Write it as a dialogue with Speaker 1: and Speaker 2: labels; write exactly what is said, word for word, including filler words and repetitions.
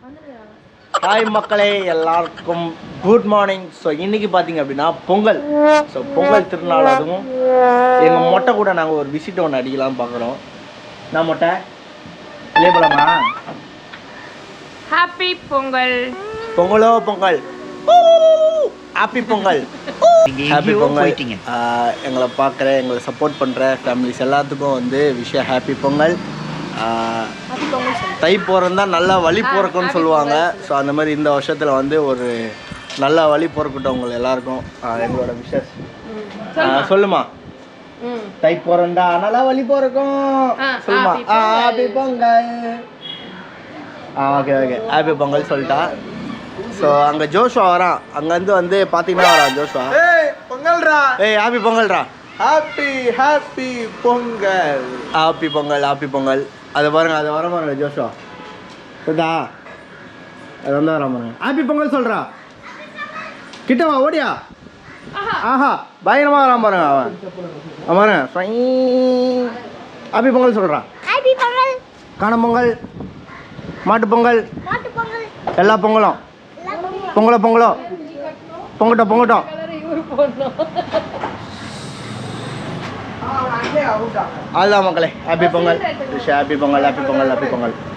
Speaker 1: Hi மக்களே, எல்லாருக்கும் good morning. So இன்றைக்கி பார்த்தீங்க அப்படின்னா பொங்கல். ஸோ பொங்கல் திருநாள், அதுவும் எங்கள் மொட்டை கூட நாங்கள் ஒரு விசிட் ஒன்று அடிக்கலாம்னு பார்க்குறோம். நான் மொட்டை இல்லையே போலாமா?
Speaker 2: ஹாப்பி பொங்கல்.
Speaker 1: பொங்கலோ பொங்கல், ஹாப்பி பொங்கல், ஹாப்பி பொங்கல். எங்களை பார்க்குற, எங்களை சப்போர்ட் பண்ணுற ஃபேமிலிஸ் எல்லாத்துக்கும் வந்து விஷய ஹாப்பி பொங்கல். தை பிறந்தா நல்லா வழி பிறக்கும்னு சொல்லுவாங்க. ஸோ அந்த மாதிரி இந்த வருஷத்தில் வந்து ஒரு நல்ல வழி பிறக்கட்டும் உங்களை எல்லாருக்கும். எங்களோட விஷஸ் சொல்லுமா? தை பிறந்தா நல்லா வழி பிறக்கும் சொல்லுமா? ஹாப்பி பொங்கல். ஆ ஓகே ஓகே ஹாப்பி பொங்கல் சொல்லிட்டா. ஸோ அங்கே ஜோஷுவா வரான், அங்கேருந்து வந்து பார்த்தீங்கன்னா வரான் ஜோஷுவா.
Speaker 3: ஏய் பொங்கல்ரா,
Speaker 1: ஏய் ஹாப்பி பொங்கல்ரா,
Speaker 3: happy happy Pongal,
Speaker 1: happy Pongal, happy Pongal. அதை பாருங்க, அதை வர பாருங்க ஜோஷுவா. சரிதா? அது வந்து வர பாருங்க. ஹாப்பி பொங்கல் சொல்கிறா. கிட்டவா ஓடியா. ஆஹா பயங்கரமாக வரான் பாருங்க அவன். அவன் பாருங்க ஹாப்பி பொங்கல் சொல்கிறான்.
Speaker 4: ஹாப்பி பொங்கல்.
Speaker 1: காணும் பொங்கல், மாட்டு பொங்கல்,
Speaker 4: மாட்டு பொங்கல்,
Speaker 1: எல்லா பொங்கலும் பொங்கலோ பொங்கலோ பொங்கட்டும் பொங்கட்டும். அதுதான் மக்களே, happy Pongal, happy Pongal, happy Pongal, happy Pongal.